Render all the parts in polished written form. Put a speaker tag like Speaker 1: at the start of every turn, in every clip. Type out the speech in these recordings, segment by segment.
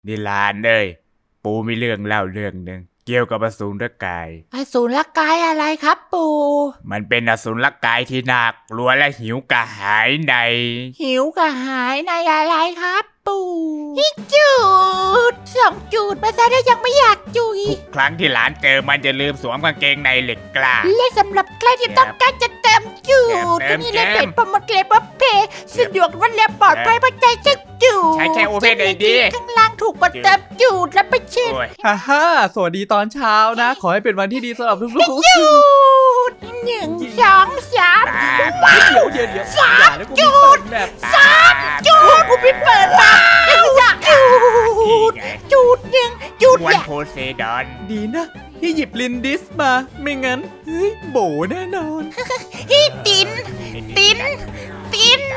Speaker 1: นิลานเอ้ยปูมีเรื่องเล่าเรื่องหนึ่งเกี่ยวกับอสูรกาย
Speaker 2: อสูรกายอะไรครับปู่
Speaker 1: มันเป็นอสูรกายที่น่ากลัวและหิวกระหายใน
Speaker 2: หิวกระหายในอะไรครับปู่ฮิจูด2 จูดมาซะได้ยังไม่อยากจุย
Speaker 1: ทุกครั้งที่หลานเจอมันจะลืมสวมกางเกงในเหล็กกล้า
Speaker 2: และสำหรับใครที่ต้องการจะเติมจูด
Speaker 1: เติ
Speaker 2: ก็
Speaker 1: ม
Speaker 2: นี่เลย
Speaker 1: เกม
Speaker 2: เพจโปรโมทเลเวลเพย์สะดวกรวดเร็วปลอดภัยเพราะใจจะจูด
Speaker 1: ใช้ Open ID
Speaker 2: ข้างล่างถูกกดเติมจูดแล้วไปเช็ค
Speaker 1: โอ้ย
Speaker 3: ฮ่าฮ่าสวัสดีตอนเช้านะ ขอให้เป็นวันที่ดีสำหรับทุกๆคน
Speaker 2: จูด1 2 3
Speaker 3: เดี๋ยวอย่าแล้วกูมีเปิดแบบ
Speaker 2: จูดกูไปเปิดมาอยากจูด
Speaker 1: ไง
Speaker 2: จูด1 จูด
Speaker 1: วัน
Speaker 2: อยาก
Speaker 1: โพเซดอน
Speaker 3: ดีนะที่หยิบลินดิสมา ไม่งั้นเฮ้ยโบแน่นอน
Speaker 2: พี่ตินตินติน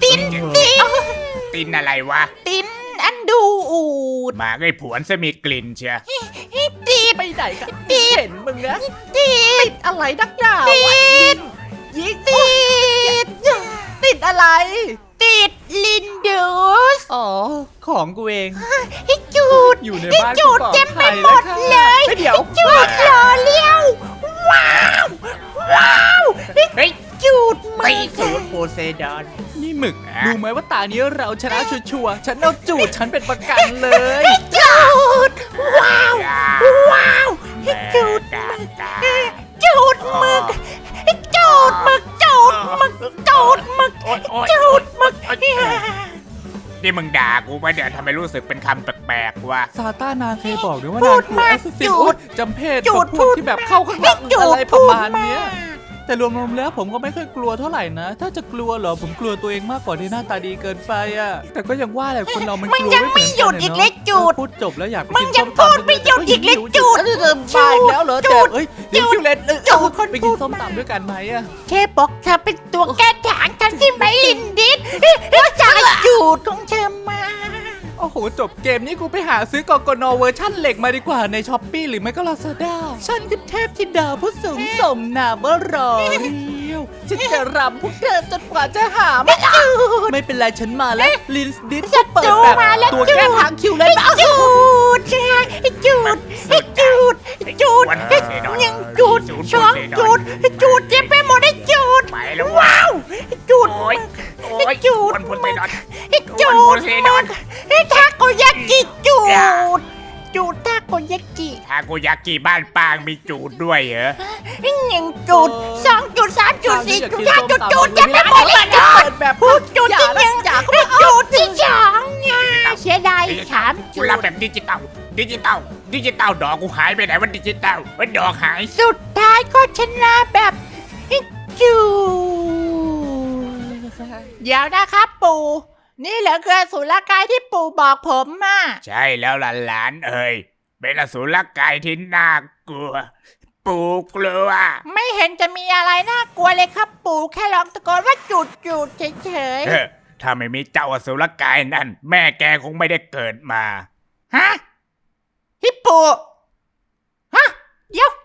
Speaker 1: อะไรวะ
Speaker 2: ตินอันดูอูด
Speaker 1: หมาไอ้ผวนจะมีกลิ่นเชีย
Speaker 2: ติด
Speaker 3: ไปไหนกัน
Speaker 2: ติด
Speaker 3: เห็นมึงนะ
Speaker 2: ติด
Speaker 3: อะไรนักหนา
Speaker 2: ติด
Speaker 3: ยิง
Speaker 2: ติดอะไร ติดลินดูส
Speaker 3: อ๋อ ของกูเอง
Speaker 2: ให้จูด
Speaker 3: อยู่ใน
Speaker 2: ให้
Speaker 3: บ้าน
Speaker 2: จูด
Speaker 3: กูปลอ
Speaker 2: เต็มไป
Speaker 3: ภัย
Speaker 2: หมด
Speaker 3: ค่ะ
Speaker 2: เลย
Speaker 3: เดี๋ยว
Speaker 2: จูดรอเลี้ยวว้าวให้จูดมื
Speaker 1: ตี
Speaker 2: อ
Speaker 1: สูตรโพเซดอน
Speaker 3: นี่หมึกรู้ไหมว่าตานี้เราชนะชัวร์ๆฉันเอาจูดฉันเป็นประกันเลย
Speaker 2: จูดว้าวว้าวให้จูด
Speaker 1: กากา
Speaker 2: จูดหมึกจูดหมึกจูดหมึกจูดหมึก
Speaker 1: โอ๊ยโอ๊ย
Speaker 2: จูดหมึก
Speaker 1: นี่มึงด่ากูปะเนี่ยทำไมรู้สึกเป็นคำแปลกๆวะ
Speaker 3: ซาต้านางเคยบอกด้วยว่า
Speaker 2: พู
Speaker 3: นาง
Speaker 2: ด
Speaker 3: กลัว
Speaker 2: มาก
Speaker 3: แอสซิ
Speaker 2: จู
Speaker 3: โอ๊
Speaker 2: ด
Speaker 3: ยจำเพศ
Speaker 2: จู
Speaker 3: กั
Speaker 2: ด
Speaker 3: บพวกที่แบบเข้าข้างหลัง
Speaker 2: จู
Speaker 3: อะไร
Speaker 2: ด
Speaker 3: ประมาณ
Speaker 2: พูด
Speaker 3: เนี้ย
Speaker 2: มาก
Speaker 3: แต่รวมๆแล้วผมก็ไม่ค่อยกลัวเท่าไหร่นะ ถ้าจะกลัวเหรอผมกลัวตัวเองมากกว่าที่หน้าตาดีเกินไปอะแต่ก็ยังว่าแหละคนเรามัน
Speaker 2: มึ
Speaker 3: ก
Speaker 2: ง
Speaker 3: ลัว
Speaker 2: ยัง
Speaker 3: ไม่เหมือน
Speaker 2: ไม่หยุ
Speaker 3: กัน
Speaker 2: ดอีก
Speaker 3: อะ
Speaker 2: เล็
Speaker 3: เนาะ
Speaker 2: กจูด
Speaker 3: พูดจบแล้วอยากไป
Speaker 2: มึ
Speaker 3: กิ
Speaker 2: ง
Speaker 3: น
Speaker 2: ยั
Speaker 3: ส้
Speaker 2: ง
Speaker 3: ม
Speaker 2: พูด
Speaker 3: ตำ
Speaker 2: ไม่หยุดอีกเล็กจูด
Speaker 3: มาอีกแล้วเหรอ
Speaker 2: จู
Speaker 3: แต่
Speaker 2: ด
Speaker 3: เอ้ยเดี๋ยว
Speaker 2: จูด
Speaker 3: คิวเลน
Speaker 2: จูด
Speaker 3: ไปกินส้มตำด้วยกันไหมอะ
Speaker 2: แค่บอกเธอเป็นตัวแก้ถางฉันที่ไม่ลินดิสแล้วจะจูดของเธอมา
Speaker 3: โอ้โหจบเกมนี้กูไปหาซื้อกกนเวอร์ชั่นเหล็กมาดีกว่าในช้อปปี้หรือไม่ก็ลาซาด้าฉันคือเทพธิดาผู้สูงสมนามว่ารอเรียวฉันจะรำพวกเธอจนกว่าจะหาไม่เจอไม่เป็นไรฉันมาแล้วลินส์ดิสเปิดแบบ
Speaker 2: มาแล้ว
Speaker 3: ตัวแก้ทางคิวเลยนะ
Speaker 2: จูดจูดจูดจูดยังจูด2 จูดจูดเจ็บไปหมดได้จูด
Speaker 1: ไปแล้ว
Speaker 2: ว้าวจูด
Speaker 1: โอ๊ยโอ๊ย
Speaker 2: จูด
Speaker 1: วันโพเซดอน
Speaker 2: จู
Speaker 1: วันโพ
Speaker 2: ด
Speaker 1: เซดอน
Speaker 2: ทาโกยากิจูดจูดทาโกยากิ
Speaker 1: ทาโกยากิบ้านปางมีจูดด้วยเหรอ
Speaker 2: 1 จูด2 จูด3 จูด4 จูด5 จูดจูดเจ็บไปหมดเลยจูด
Speaker 3: แบบ
Speaker 2: พูดจูดที่1จูดที่2เนี่ยเสียดาย3 จู
Speaker 1: กู
Speaker 2: ด
Speaker 1: รับแบบดิจิตอลดอกกูหายไปไหนวันดิจิตอลวันดอกหาย
Speaker 2: สุดท้ายก็ชนะแบบจูเดี๋ยวนะครับปู่ นี่เหรอคืออสุรกายที่ปู่บอกผมมา
Speaker 1: ใช่แล้วล่ะหลานเอ้ยเป็นอสูรกายที่น่ากลัว ปูกลัว
Speaker 2: ไม่เห็นจะมีอะไรน่ากลัวเลยครับปู่แค่ร้องตะโกนว่าจูดเฉย
Speaker 1: เออถ้าไม่มีเจ้าอสูรกายนั่น แม่แกคงไม่ได้เกิดมา
Speaker 2: ๆฮะฮิปโปฮะเดี๋ยว